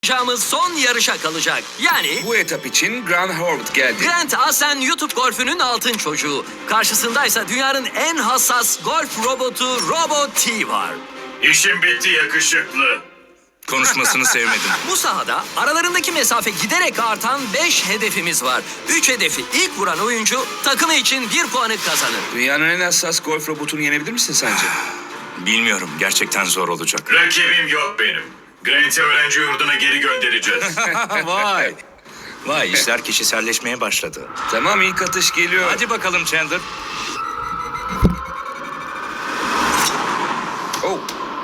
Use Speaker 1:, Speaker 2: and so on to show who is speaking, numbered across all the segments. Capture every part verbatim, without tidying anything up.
Speaker 1: yapacağımız son yarışa kalacak. Yani
Speaker 2: Bu etap için Grant Horvath geldi.
Speaker 1: Grant Asen YouTube golfünün altın çocuğu. Karşısındaysa dünyanın en hassas golf robotu Robot T var.
Speaker 3: İşim bitti yakışıklı.
Speaker 4: Konuşmasını sevmedim.
Speaker 1: Bu sahada aralarındaki mesafe giderek artan beş hedefimiz var. üç hedefi ilk vuran oyuncu takımı için bir puanı kazanır.
Speaker 2: Dünyanın en hassas golf robotunu yenebilir misin sence?
Speaker 4: Bilmiyorum, gerçekten zor olacak.
Speaker 3: Rakibim yok benim. Grant'i öğrenci yurduna geri göndereceğiz.
Speaker 4: Vay. Vay, işler kişiselleşmeye başladı.
Speaker 2: Tamam, ilk atış geliyor.
Speaker 4: Hadi bakalım Chandler.
Speaker 2: Oh.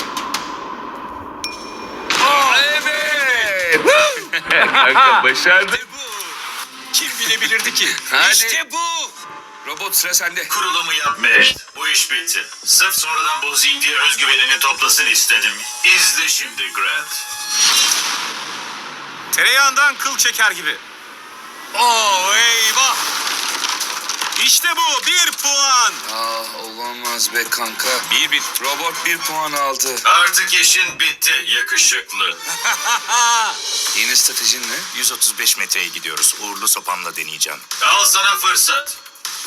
Speaker 2: Evet. Kanka başardı.
Speaker 4: Kim bilebilirdi ki?
Speaker 2: Hadi.
Speaker 4: İşte bu.
Speaker 2: Robot, sıra sende.
Speaker 3: Kurulumu yapma. Bu iş bitti. Sırf sonradan bozayım diye özgüvenini toplasın istedim. İzle şimdi Grant.
Speaker 5: Tereyağından kıl çeker gibi. Oo eyvah. İşte bu bir puan.
Speaker 2: Aa, olamaz be kanka.
Speaker 4: Bir bir.
Speaker 2: Robot bir puan aldı.
Speaker 3: Artık işin bitti yakışıklı.
Speaker 2: Yeni stratejin ne?
Speaker 4: yüz otuz beş metreye gidiyoruz. Uğurlu sopamla deneyeceğim.
Speaker 3: Al sana fırsat.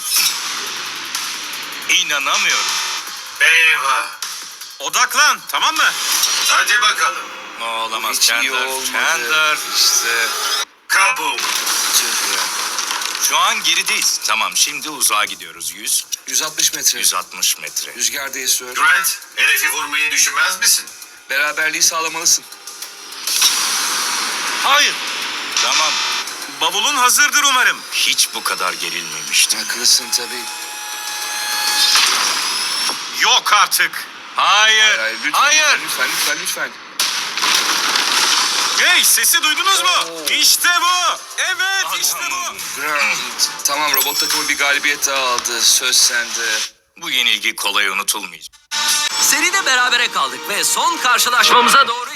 Speaker 4: İnanamıyorum.
Speaker 3: Eyvah.
Speaker 5: Odaklan, tamam mı?
Speaker 3: Hadi bakalım.
Speaker 4: Olamaz
Speaker 2: Hiç iyi
Speaker 4: Chandler.
Speaker 2: olmadı.
Speaker 4: Chandler.
Speaker 2: İşte.
Speaker 3: Kaboom.
Speaker 2: Tüh ya.
Speaker 4: Şu an gerideyiz. Tamam, şimdi uzağa gidiyoruz. yüz,
Speaker 2: yüz altmış metre.
Speaker 4: yüz altmış metre.
Speaker 2: Rüzgarda esiyor.
Speaker 3: Grant, hedefi vurmayı düşünmez misin?
Speaker 2: Beraberliği sağlamalısın.
Speaker 4: Hayır. Tamam.
Speaker 5: Bavulun hazırdır umarım.
Speaker 4: Hiç bu kadar gerilmemiştim.
Speaker 2: Haklısın tabii.
Speaker 5: Yok artık.
Speaker 4: Hayır.
Speaker 2: Hayır, lütfen,
Speaker 4: Hayır.
Speaker 2: lütfen, lütfen, lütfen.
Speaker 5: Hey, sesi duydunuz mu?
Speaker 2: Oo.
Speaker 5: İşte bu. Evet, işte bu.
Speaker 2: Grant. Tamam, robot takımı bir galibiyet daha aldı. Söz sende.
Speaker 4: Bu yenilgi kolay unutulmayacak.
Speaker 1: Seride berabere kaldık ve son karşılaşmamıza doğru